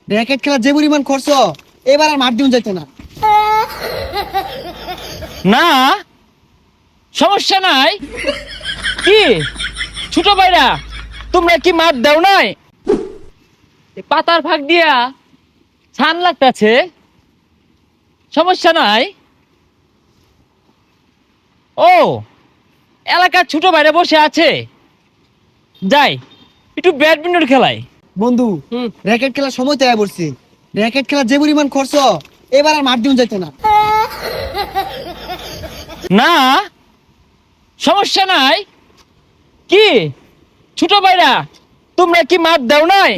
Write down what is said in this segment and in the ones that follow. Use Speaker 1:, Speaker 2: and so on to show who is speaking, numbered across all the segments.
Speaker 1: Racket খেলা যে পরিমাণ খরচ, এবার আর মাঠ দিন যাইতো না।
Speaker 2: না সমস্যা নাই। কি ছোট ভাইরা, তোমরা কি মাঠ দাও নাই? এ পাতার ফাঁক দিয়া ছান লাগতেছে, সমস্যা নাই। ও এলাকার ছোট ভাইরা বসে আছে, যাই একটু ব্যাডমিন্টন খেলাই।
Speaker 1: বন্ধু, র্যাকেট খেলার সময় তৈরি করছি। র্যাকেট খেলা যে পরিমাণ খরচ, এবার আর মাঠ দিন যাইতো না।
Speaker 2: না সমস্যা নাই। কি ছোট ভাইরা, তোমরা কি মাঠ দাও নাই?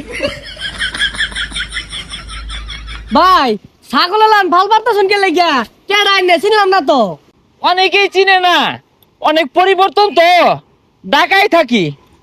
Speaker 3: ভাই ছাগল লান ভাল পারতেছেন কে লাগিয়া কেডা আইনে চিনলাম না তো।
Speaker 2: অনেকেই চিনে না, অনেক পরিবর্তন তো, ঢাকায় থাকি,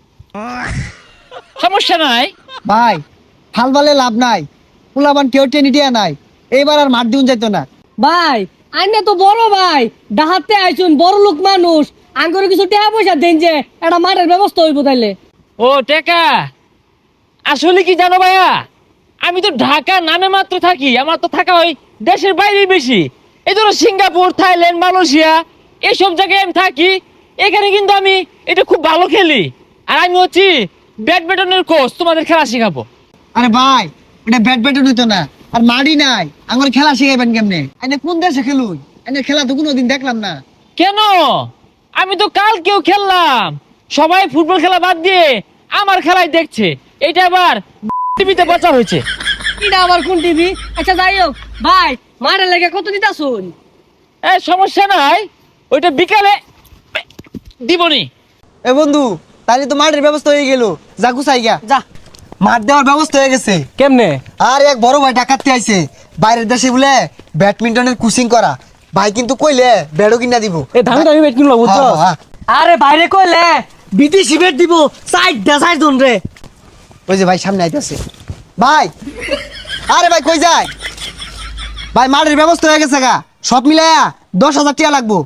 Speaker 2: সমস্যা নাই।
Speaker 1: ভাই হাল বালে লাভ নাই, পোলাবান কেউ টেনে দিয়া নাই, এইবার আর মাঠ দিন যাইতো না।
Speaker 3: ভাই আইনে তো বড় ভাই, ডাহাতে আইছুন বড় লোক মানুষ, আঙ্গুরে কিছু টাকা পয়সা দেন যে একটা মাঠের ব্যবস্থা হইব তাইলে।
Speaker 2: ও টেকা, আসলে কি জানো ভাইয়া, আমি তো ঢাকা নামে মাত্র থাকি, আমার তো থাকা হয় দেশের বাইরে বেশি। এই ধরো সিঙ্গাপুর, থাইল্যান্ড, মালয়েশিয়া এইসব জায়গায় আমি থাকি। এখানে কিন্তু আমি এটা খুব ভালো খেলি, আর আমি হচ্ছি ব্যাডমিন্টনের কোচ, তোমাদের খেলা শেখাবো।
Speaker 1: আরে ভাই, এটা ব্যাট হইতো না, আর মাঠই নাই, আমার খেলা শিখাইবেন কেমনে? এনে কোন দেশে খেলুন? এনে খেলা তো কোনোদিন দেখলাম না।
Speaker 2: কেন? আমি তো কালকেও খেললাম, সবাই ফুটবল খেলা বাদ দিয়ে আমার খেলাই দেখছে। এটা আবার টিভিতে প্রচার হয়েছে।
Speaker 3: এটা আবার কোন টিভি? আচ্ছা যাই হোক ভাই, মাঠের লেগে কত দিতাছুন?
Speaker 2: সমস্যা নাই, ওইটা বিকালে দিবনি।
Speaker 1: এ বন্ধু, তাহলে তো মাঠের ব্যবস্থা হয়ে গেল, যা গুছাই গা।
Speaker 3: যা।
Speaker 1: মাঠ দেওয়ার ব্যবস্থা হয়ে গেছে।
Speaker 3: কেমনে?
Speaker 1: আর এক বড় ভাই ডাকাতে আইছে, বাইরের দেশে বলে ব্যাডমিন্টনের কোচিং করা। ভাই কিন্তু কইলে ব্যাটও কিনা দিব।
Speaker 3: এ দামি দামি বেট কিনলো বুঝছো?
Speaker 1: হ্যাঁ, হ্যাঁ।
Speaker 3: আরে বাইরে কইলে বিদেশি বেট দিব, সাইড জন রে।
Speaker 1: ওই যে ভাই সামনে আইতেছে। ভাই, আরে ভাই কই যায়? ভাই মাঠের ব্যবস্থা হয়ে গেছে গা, সব মিলাইয়া 10,000 টাকা লাগবো।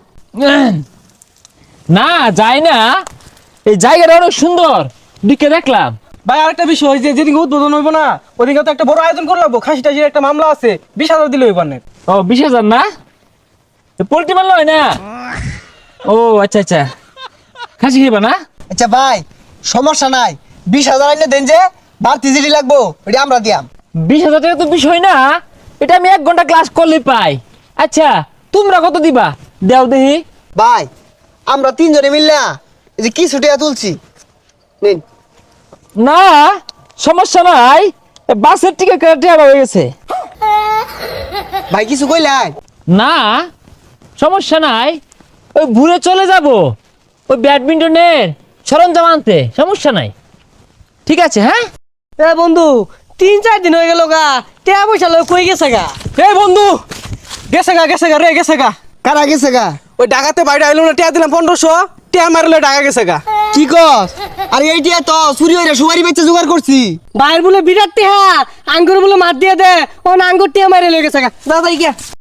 Speaker 2: না যায় না, এই জায়গাটা অনেক সুন্দর, দিকে দেখলাম।
Speaker 4: ভাই আরেকটা বিষয়, যে যেদিন উদ্বোধন হইব না, ওদিকে তো একটা বড় আয়োজন করে রাখবো। খাসি টাসির একটা মামলা আছে, 20,000 দিলে হইব না।
Speaker 2: ও 20,000 না, পোল্ট্রি মারল হয় না? ও আচ্ছা আচ্ছা, খাসি খেবা না?
Speaker 1: আচ্ছা ভাই, সমস্যা নাই, 20,000 আইলে দেন, যে বাড়তি জিডি লাগবো ওটা আমরা দিয়াম।
Speaker 2: 20,000 টাকা তো বিষয় না, এটা আমি 1 ঘন্টা ক্লাস করলে পাই। আচ্ছা তোমরা কত দিবা দেও দেখি।
Speaker 1: ভাই আমরা 3 জনে মিললা এই যে কিছু টাকা তুলছি, নিন।
Speaker 2: না সমস্যা নাই, বাসের টিকিট কাটা হয়ে গেছে।
Speaker 1: ভাই কিছু কইলাই?
Speaker 2: না সমস্যা নাই, ওই ঘুরে চলে যাব ওই ব্যাডমিন্টনের সরঞ্জাম আনতে, সমস্যা নাই। ঠিক আছে হ্যাঁ।
Speaker 3: এ বন্ধু 3-4 দিন হয়ে গেল গা, টাকা পয়সা লয় কই গেছে গা?
Speaker 4: এই বন্ধু, গেছে গা রে, গেছে গা।
Speaker 1: কারা গেছে গা?
Speaker 4: ওই ডাকাতে বাইরে আইলো না, টিয়া দিলাম 1500, টিয়া মারলে ডাকা গেছে গা।
Speaker 1: কি কস? আরে এইটা তো চুরি হইরা সুপারি বেচে জোগাড় করছি।
Speaker 3: বাইর বলে বিরাট টিহা, আঙ্গুর বলে মার দিয়ে দে, ও আঙ্গুর টিহা মারে লয়ে গেছে গা। দাদা গিয়া